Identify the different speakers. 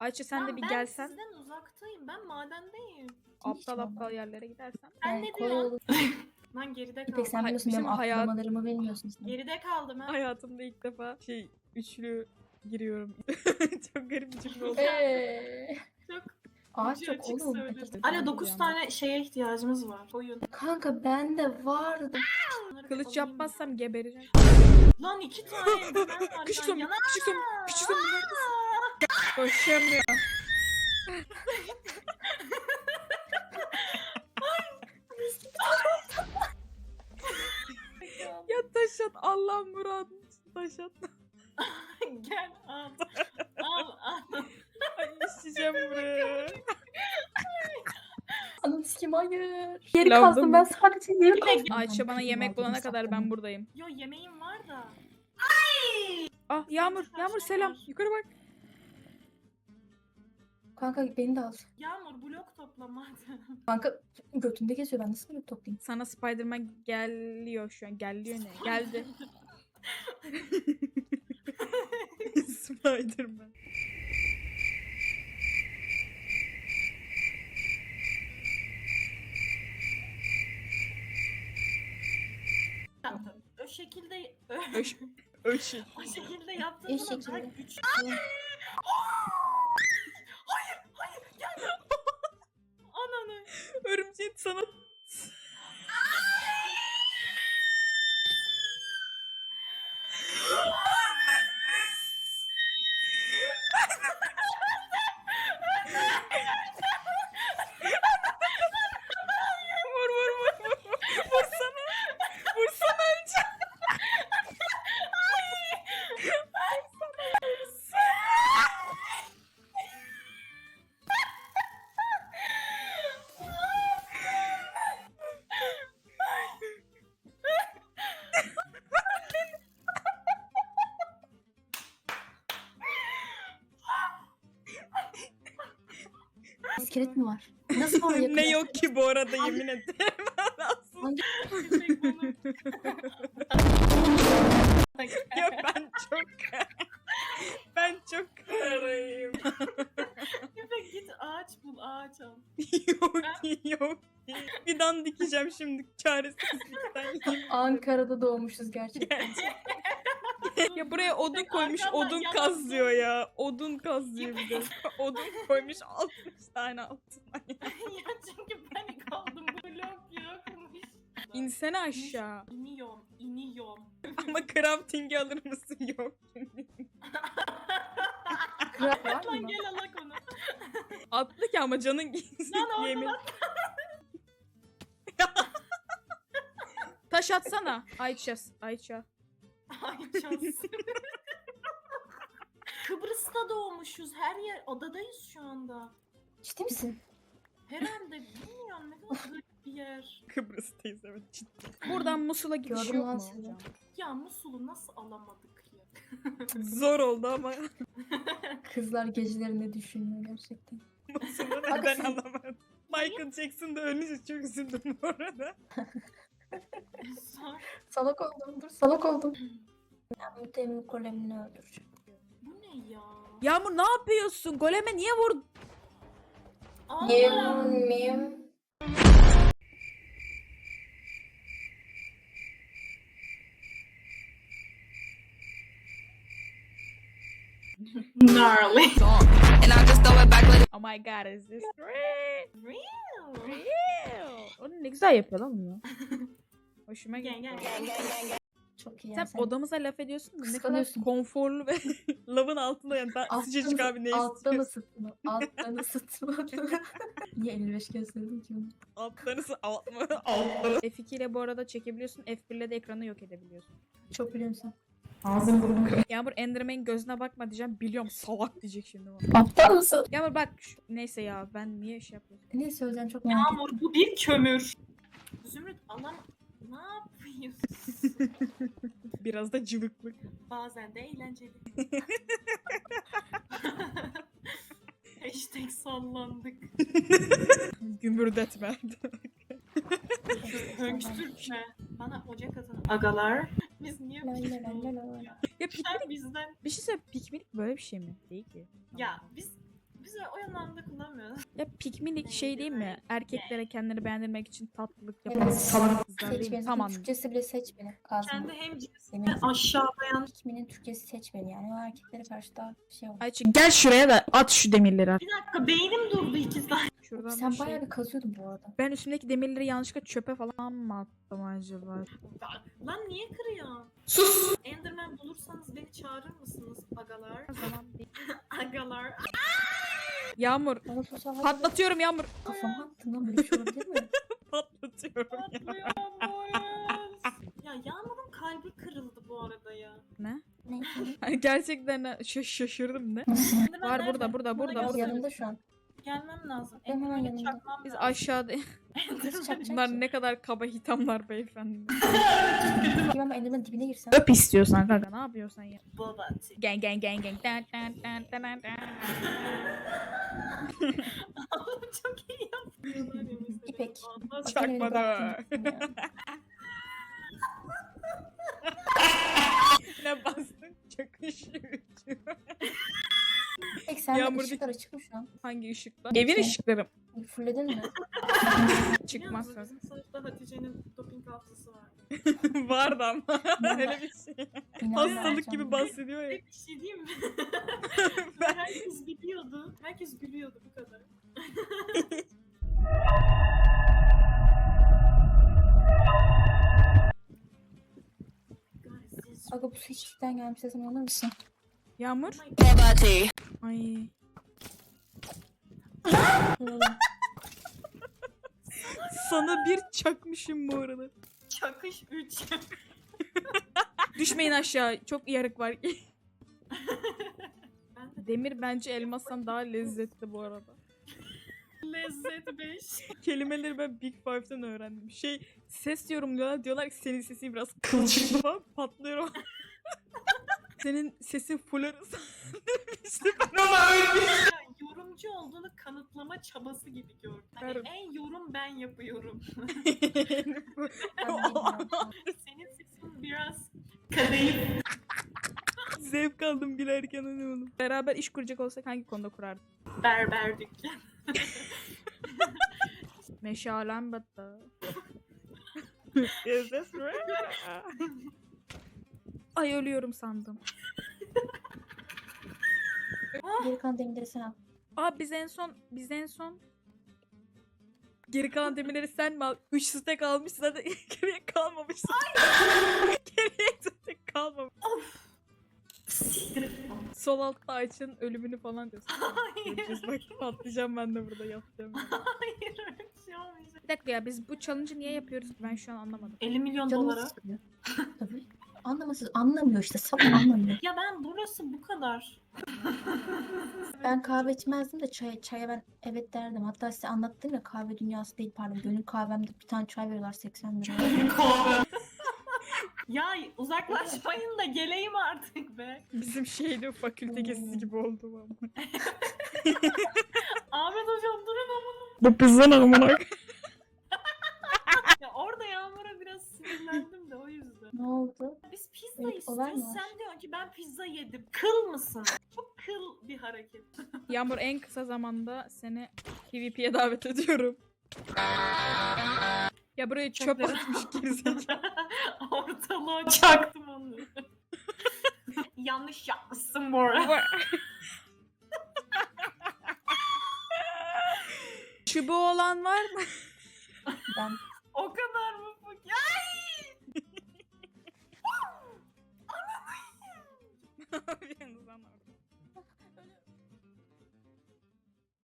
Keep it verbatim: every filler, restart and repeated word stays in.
Speaker 1: Ayça sen de
Speaker 2: Lan
Speaker 1: bir
Speaker 2: ben
Speaker 1: gelsen.
Speaker 2: sizden uzaktayım. Ben madendeyim.
Speaker 1: Aptal aptal yerlere gidersen.
Speaker 2: Sen
Speaker 3: Yani
Speaker 2: ne
Speaker 3: kolay
Speaker 2: diyorsun?
Speaker 3: olur.
Speaker 2: Lan geride
Speaker 3: İpek
Speaker 2: kaldım.
Speaker 3: sen biliyorsun benim
Speaker 1: Bizim hayat-
Speaker 3: atlamalarımı bilmiyorsun sen.
Speaker 2: Geride kaldım ha.
Speaker 1: Hayatımda ilk defa şey üçlü giriyorum. Çok garip bir cümle oldu.
Speaker 3: Eee.
Speaker 2: Çok
Speaker 3: Ağaç
Speaker 2: ucu
Speaker 3: çok
Speaker 2: açık
Speaker 3: oğlum.
Speaker 2: söyledim.
Speaker 1: Hadi
Speaker 2: Ara dokuz
Speaker 1: yani.
Speaker 2: tane şeye ihtiyacımız var. Oyun.
Speaker 3: Kanka bende vardı.
Speaker 2: Bunları bir
Speaker 1: Kılıç
Speaker 2: alayım
Speaker 1: yapmazsam gebereceğim.
Speaker 2: ya. Lan iki tane eldiven var.
Speaker 1: Küçük
Speaker 2: ya.
Speaker 1: son,
Speaker 2: Yana-
Speaker 1: küçük son, küçük son neredesin? Koşamıyor. Ya taş at, Allah muradını taş at.
Speaker 2: Gel al. Al al.
Speaker 1: Ay işleyeceğim buraya.
Speaker 3: Anam sikim hayır. Geri
Speaker 1: Lavda
Speaker 3: kazdım
Speaker 1: mı?
Speaker 3: ben sadece geri kazdım.
Speaker 1: Ayça bana yemek bulana kadar ben buradayım.
Speaker 2: Yo yemeğim var da.
Speaker 1: Ah Yağmur, Yağmur selam. Yukarı bak.
Speaker 3: Kanka beni de al.
Speaker 2: Yağmur blok toplama.
Speaker 3: Kanka götünde geziyor ben nasıl böyle toplayayım?
Speaker 1: Sana Spiderman geliyor şu an. Geliyor ne? Geldi. Spiderman.
Speaker 2: Tamam. O şekilde ö,
Speaker 1: Öş, öşü.
Speaker 2: o şekilde yaptığın
Speaker 3: İyi
Speaker 2: zaman daha
Speaker 3: şekilde.
Speaker 2: güçlü. Hayır, hayır, gelme. Ananı.
Speaker 1: Örümceğin sana... Vur vur vur vur. Vursana. Vursana önce.
Speaker 3: İskelet mi var? Nasıl var yakın?
Speaker 1: Ne yok ki bu arada yemin ederim. Aslında
Speaker 2: Köpek balığı.
Speaker 1: ya ben çok ben çok karayım.
Speaker 2: Köpek git ağaç bul, ağaç al.
Speaker 1: Yok ki yok ki. Fidan dikeceğim şimdi çaresizlikten. yemin ederim.
Speaker 3: Ankara'da doğmuşuz gerçekten.
Speaker 1: Ya buraya odun koymuş,
Speaker 2: Arkamdan
Speaker 1: odun
Speaker 2: yalan
Speaker 1: kazlıyor ya. Odun kazlıyor bir de. Odun koymuş altmış tane altına.
Speaker 2: Ya çünkü panik oldum, blok yokmuş.
Speaker 1: İnsene aşağı.
Speaker 2: İniyorum, iniyorum.
Speaker 1: Ama crafting'i alır mısın? Yok.
Speaker 3: Kral var
Speaker 2: Lan
Speaker 3: mı?
Speaker 2: gel alak onu.
Speaker 1: Atlı ki ama canın gitsin
Speaker 2: Lan orada
Speaker 1: yemin. Taş atsana. Ayça. Ayça.
Speaker 2: Ay şans. Kıbrıs'ta doğmuşuz. Her yer odadayız şu anda.
Speaker 3: Ciddi misin?
Speaker 2: Herhalde bilmiyorum ne kadar garip bir yer.
Speaker 1: Kıbrıs'tayız evet ciddi. Buradan Musul'a gidiş
Speaker 3: Gördüm
Speaker 1: yok
Speaker 3: lan
Speaker 1: mu
Speaker 3: sizi.
Speaker 1: hocam?
Speaker 2: Ya Musul'u nasıl alamadık ya?
Speaker 1: Zor oldu ama
Speaker 3: Kızlar geceleri ne düşünüyor gerçekten?
Speaker 1: Musul'u
Speaker 3: Aga
Speaker 1: neden
Speaker 3: siz-
Speaker 1: alamadım? Michael Jackson da ölünce çok üzüldüm bu arada.
Speaker 2: Sor.
Speaker 3: Salak oldum dur salak oldum. Ben mütemin kolemini öldüreceğim.
Speaker 2: Bu ne ya?
Speaker 1: Yağmur ne yapıyorsun? Goleme niye vurdun?
Speaker 2: Aa,
Speaker 3: Miyim miyim?
Speaker 2: gnarly.
Speaker 4: And I just throw it back like
Speaker 1: Oh my god is this real?
Speaker 2: Real.
Speaker 1: Real. Onu ne güzel yapıyor lan bunu. Hoşuma
Speaker 2: Gel
Speaker 1: gitti.
Speaker 2: gel.
Speaker 3: Çok iyi
Speaker 1: Sen
Speaker 3: ya sen.
Speaker 1: odamıza laf ediyorsun da ne kadar
Speaker 3: Kıskanıyorsun.
Speaker 1: konforlu ve lavın altında yani daha
Speaker 3: Alttan
Speaker 1: sıcacık
Speaker 3: ısı-
Speaker 1: abi ne
Speaker 3: Alttan
Speaker 1: istiyorsun?
Speaker 3: ısıtma. Alttan ısıtma. Niye elli beş gösterdin ki bunu?
Speaker 1: Altlarısı altma. Altları. F iki ile bu arada çekebiliyorsun. F bir ile de ekranı yok edebiliyorsun.
Speaker 3: Çok biliyorsun.
Speaker 2: Ağzım burnum.
Speaker 1: Yağmur Enderman'in gözüne bakma diyeceğim. Biliyorum salak diyecek şimdi bana.
Speaker 3: Aptal mısın?
Speaker 1: Yağmur bak şu- neyse ya ben niye şey yapıyorum?
Speaker 3: Ne söyleyeceğim çok merak ettim.
Speaker 2: Yağmur bu bir kömür. Zümrüt alam ne yapıyorsun?
Speaker 1: Biraz da cıvıklık.
Speaker 2: Bazen de eğlenceli. Hashtag sallandık.
Speaker 1: Gümbürdetme.
Speaker 2: Hönkstürtme. Bana ocak atın. Agalar. Biz niye
Speaker 3: La la la
Speaker 2: piknik
Speaker 3: la la.
Speaker 2: olduk ya?
Speaker 1: Ya piknik
Speaker 2: Sen bizden.
Speaker 1: bir şey söyle piknik böyle bir şey mi? Değil ki.
Speaker 2: Ya biz misiniz?
Speaker 1: Ya pikmilik şey değil mi? Erkeklere kendini beğendirmek için tatlılık
Speaker 3: Evet.
Speaker 1: yapan salak kızlar
Speaker 3: Seç
Speaker 1: değil mi?
Speaker 3: beni.
Speaker 1: Tamam.
Speaker 3: Türkçesi bile seç beni. Kazma.
Speaker 2: Kendi hem cinsini
Speaker 3: Yemin-
Speaker 2: aşağılayan.
Speaker 3: Pikmin'in Türkçesi seç beni yani. O erkeklere karşı daha şey olur.
Speaker 1: Ayça gel şuraya da at şu demirleri.
Speaker 2: Bir dakika beynim durdu iki saniye.
Speaker 1: Şuradan
Speaker 3: Sen
Speaker 1: bir şey-
Speaker 3: bayağı bir kazıyordun bu arada.
Speaker 1: Ben üstümdeki demirleri yanlışlıkla çöpe falan mı attım acaba?
Speaker 2: Lan niye kırıyor?
Speaker 1: Sus!
Speaker 2: Enderman bulursanız beni çağırır mısınız agalar?
Speaker 1: O zaman bir-
Speaker 2: Agalar.
Speaker 1: Yağmur.
Speaker 3: Bana sosyal hayatı
Speaker 1: Patlatıyorum Yağmur.
Speaker 3: kafama attın lan, böyle bir şey olabilir mi?
Speaker 1: Patlatıyorum ya.
Speaker 2: Patlıyor boyuz. Ya Yağmur'un kalbi kırıldı bu arada ya.
Speaker 1: Ne?
Speaker 3: Ne?
Speaker 1: Hani gerçekten şaş- şaşırdım ne?
Speaker 2: Enderman
Speaker 1: Var
Speaker 2: nerede?
Speaker 1: burada, burada,
Speaker 2: Bana
Speaker 1: burada,
Speaker 3: Bak
Speaker 1: burada.
Speaker 2: göster.
Speaker 3: yanımda şu an.
Speaker 2: Gelmem lazım.
Speaker 3: Ben hemen
Speaker 2: Enderman'i
Speaker 3: yanında.
Speaker 2: çakmam
Speaker 1: Biz
Speaker 2: lazım.
Speaker 1: aşağıda...
Speaker 3: Nasıl çakacak
Speaker 1: Bunlar
Speaker 3: ki?
Speaker 1: ne kadar kaba hitamlar beyefendi.
Speaker 3: Kim ama Enderman'ın dibine girsen.
Speaker 1: Öp istiyorsan kanka, ne yapıyorsan ya.
Speaker 2: Babati.
Speaker 1: Gang gang gang gang. Dan, dan, dan, dan, dan, dan.
Speaker 2: Oğlum çok iyi yapıyorlar ya mesela.
Speaker 3: İpek.
Speaker 2: Vallahi
Speaker 3: Bak, yine beni
Speaker 1: Çakmadı.
Speaker 3: bıraktın ya.
Speaker 1: Ne bastın? Çakışıyor.
Speaker 3: İpek sende
Speaker 1: Yağmur
Speaker 3: ışıklar açık mı şu an?
Speaker 1: Hangi ışıklar? Evin ışıkları.
Speaker 3: Fulledin mi?
Speaker 1: Çıkmaz
Speaker 2: Biliyor musun,
Speaker 1: söz.
Speaker 2: bizim sınıfta Hatice'nin doping hafızası var.
Speaker 1: Vardı ama. Öyle bir şey.
Speaker 3: İnanmıyorum
Speaker 1: Hastalık
Speaker 3: sana.
Speaker 1: gibi bahsediyor ya.
Speaker 2: Bir şey diyeyim mi? Herkes biliyordu. Herkes gülüyordu bu kadar. Guys, this-
Speaker 3: Aga bu su hiçlikten gelmiş sesini anlar mısın?
Speaker 1: Yağmur.
Speaker 2: Oh my God.
Speaker 1: Ay. Sana bir çakmışım bu arada.
Speaker 2: Çakış üç.
Speaker 1: Düşmeyin aşağı. Çok yarık var.
Speaker 2: Ben de
Speaker 1: Demir bence elmastan daha lezzetli bu arada.
Speaker 2: lezzet beş.
Speaker 1: Kelimeleri ben Big Five'den öğrendim. Şey ses yorumluyorlar. Diyorlar ki senin sesin biraz kılçıklı falan. Patlıyorum. Senin sesin full arası. İşte ben ona öyle.
Speaker 2: Ya, yorumcu olduğunu kanıtlama çabası gibi gördüm. Hani
Speaker 1: Ver-
Speaker 2: en yorum ben yapıyorum.
Speaker 3: Ben de bilmiyorum şu an.
Speaker 2: Senin sesin biraz kadayıf.
Speaker 1: Zevk aldım gülerken hani oğlum. Beraber iş kuracak olsak hangi konuda kurardık?
Speaker 2: Berber dükkan.
Speaker 1: Meşalem battı. Is this real? Ay ölüyorum sandım.
Speaker 3: Geri kalan demirleri sen al.
Speaker 1: Aa biz en son biz en son geri kalan demirleri sen mi al? Üç stack almışsın zaten geriye kalmamış. Geriye zaten kalmamış.
Speaker 2: Siktir.
Speaker 1: Sol altta Ayça'nın ölümünü falan diyorsun.
Speaker 2: Hayır.
Speaker 1: Göreceğiz bak patlayacağım ben de burada yapacağım.
Speaker 2: Hayır öyle bir şey olmayacak.
Speaker 1: Bir dakika ya biz bu challenge'ı niye yapıyoruz ki ben şu an anlamadım.
Speaker 2: elli milyon
Speaker 3: Canım
Speaker 2: dolara.
Speaker 3: sıkılıyor. Tabii. Anlamasız anlamıyor işte. Sabah anlamıyor.
Speaker 2: Ya ben burası bu kadar.
Speaker 3: Ben kahve içmezdim de çay, çaya ben evet derdim. Hatta size anlattım ya kahve dünyası değil pardon. Gönül kahvemde bir tane çay veriyorlar seksen lira.
Speaker 2: Ya uzaklaşmayın da geleyim artık be.
Speaker 1: Bizim şeyde fakülte gezisi gibi oldu ama.
Speaker 2: Ahmet hocam durun ama.
Speaker 1: Bu pizza ne amına?
Speaker 2: Ya orada Yağmur'a biraz sinirlendim de o yüzden.
Speaker 3: Ne oldu?
Speaker 2: Biz pizza
Speaker 3: Evet, olay mı
Speaker 2: istiyoruz.
Speaker 3: var?
Speaker 2: Sen diyorsun ki ben pizza yedim. Kıl mısın? Çok kıl bir hareket.
Speaker 1: Yağmur en kısa zamanda seni PvP'ye davet ediyorum. Ya buraya çöp
Speaker 2: Çöpleri-
Speaker 1: atmış gerizekalı.
Speaker 2: Ortalığa çaktım onu. Yanlış yapmışsın bu arada.
Speaker 1: Çubuğu olan var mı?
Speaker 3: Ben
Speaker 2: O kadar mı? Ya